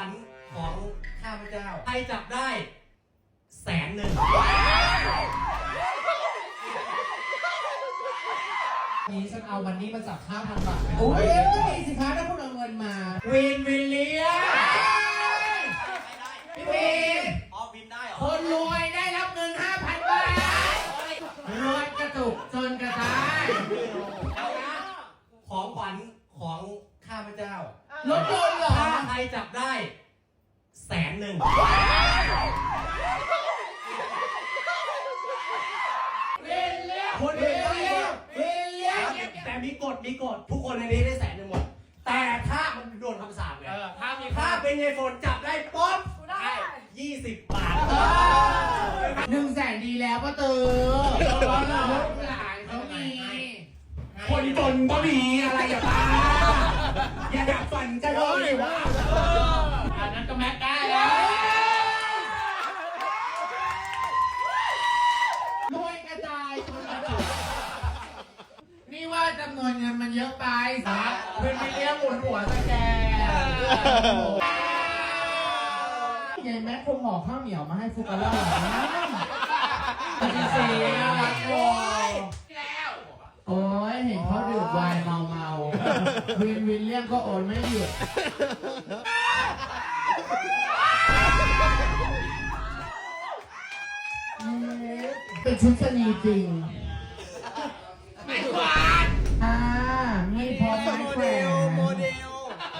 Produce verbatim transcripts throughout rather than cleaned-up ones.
ญของข้าพเจ้าใครจับได้แสนหนึ่งนี้ฉันเอาวันนี้มาจับห้าพันบาทโอ้ยสิคะถ้าคุณเอาเงินมาวินวิลเลียพี่วินอ๋อวินได้เหรอคนรวยได้รับเงินห้าพันบาทรวยกระตุกจนกระจายเอานะของขวัญของข้าพเจ้ารถยนต์เหรอถ้าใครจับได้แสนหนึ่งคนเดียวแต่มีกฎมีกฎทุกคนในนี้ได้แสนหนึ่งหมดแต่ถ้ามันโดนคำสาปไงถ้ามีถ้าเป็นไอ้ฝนจับได้ป๊อปได้ยี่สิบบาทหนึ่งแสนดีแล้วป้าตือลูกหลานเขามีคนจนก็มีอะไรอย่าบ้าอย่าดับฝันกันเลยว่าอันนั้นก็แม็กได้แล้วรวยกระจายจนกระจุกนี่ว่าจำนวนเงินมันเยอะไปสักเพื่อนไม่เลี้ยงหมุนหัวสแกนยายแม็กคงห่อข้าวเหนียวมาให้ฟุกแล้วสีสีน่ารักโวยโอ้ยเห็นเขาดื่มไวน์เมาเมาวินวินเลี่ยมก็โอนไม่หยุดเป็นชุดชนีจริงไม่ควานอ่าไม่พอไม่แขวนโมเดล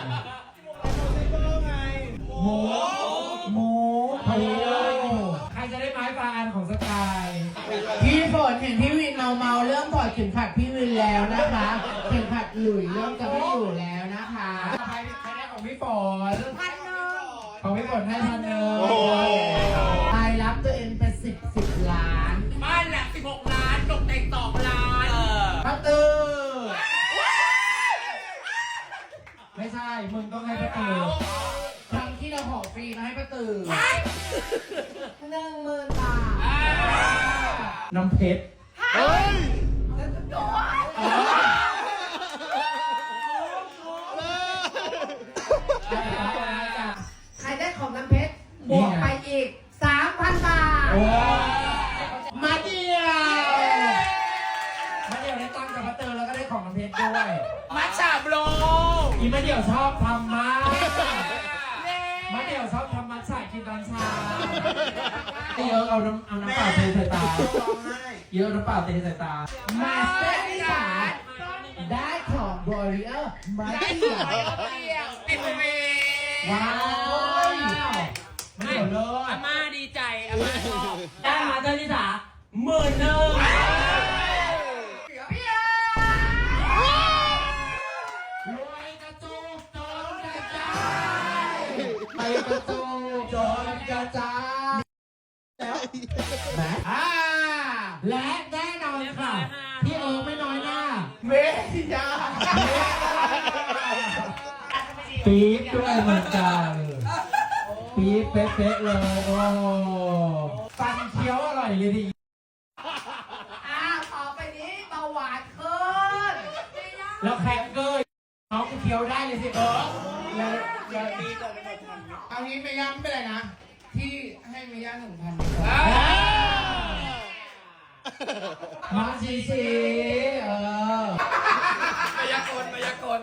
โมโมโมใครจะได้ไม้ปลาอันของสกายพี่ฝนเห็นพี่วินเมาเมาเริ่มถอดเข็มขัดพี่วินแล้วนะคะเข็มขัดหลุยเริ่มจะไม่อยู่แล้วนะคะใครใครได้ของพี่ฝนพันหนึ่งของพี่ฝนให้พันหนึ่งใครรับตัวเองเป็นสิบสิบล้านบ้านหลักสิบหกล้านตกแต่งสองล้านพัตตือไม่ใช่มึงต้องให้พัตตือครั้งที่เราขอฟรีมาให้ป้าตือหนึ่งหมื่นบาทน้ำเพชรเฮ้ยใครได้ของน้ำเพชรบวกไปอีกสามพันบาทมาเดียวมาเดียวได้ตังค์กับป้าตือแล้วก็ได้ของน้ำเพชรด้วยมัชชาโบรอีมาเดียวชอบทำมากมาเดี๋ยวชอบทำมัทฉะกินตอนเช้าเยอะเอาน้ำเอาน้ำเปล่าเทใส่ตาเยอะน้ำเปล่าเทใส่ตามาสเตอร์ที่สามได้ของบริเออร์มาเดียวติดเมว้าวไม่เลิศอาม่าดีใจอาม่าชอบได้มาสเตอร์ที่สามหมื่นหนึ่งไปกระจูจนกระจายแล้วและอ่าและแน่นอนค่ะพี่เอิร์กไม่น้อยหน้าเมธิยาปี๊บด้วยเหมือนกันปี๊บเป๊ะๆเลยโอ้ฟันเคี้ยวอร่อยเลยดิอ้าวต่อไปนี้เบาหวานขึ้นแล้วแคคเกอร์น้องเคี้ยวได้เลยสิเออแล้วแล้วเอางี้ไม่ย้ำไม่เป็นไรนะที่ให้ไม่ย้ำหนึ่งพันมาชีชีเออมายากลมายากล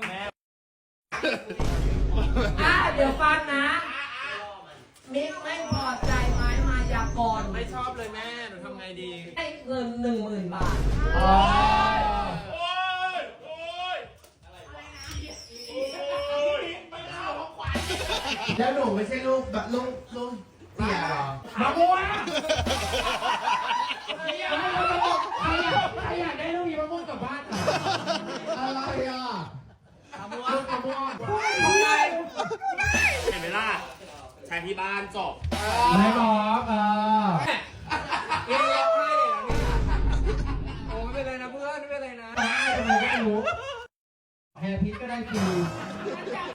อ่ะเดี๋ยวฟังนะมิกไม่พอใจไหมมายากลไม่ชอบเลยแม่หนูทำไงดีให้เงินหนึ่งหมื่นบาทแล้วหนูไม่ใช่ลูกแบบลูกลูกเสียหรอมาบัวใครอยากใครอยากได้ลูกยีมะม่วงกลับบ้านอะไรอ่ะมาบัวลูกมาบัวเห็นไหมล่ะใช้ที่บ้านจบไม่บอกเออเรียกร้องไห้เลยนะโอ้ไม่เป็นไรนะเพื่อนไม่เป็นไรนะไม่เป็นไรก็รู้แฮร์พีทก็ได้ฟรี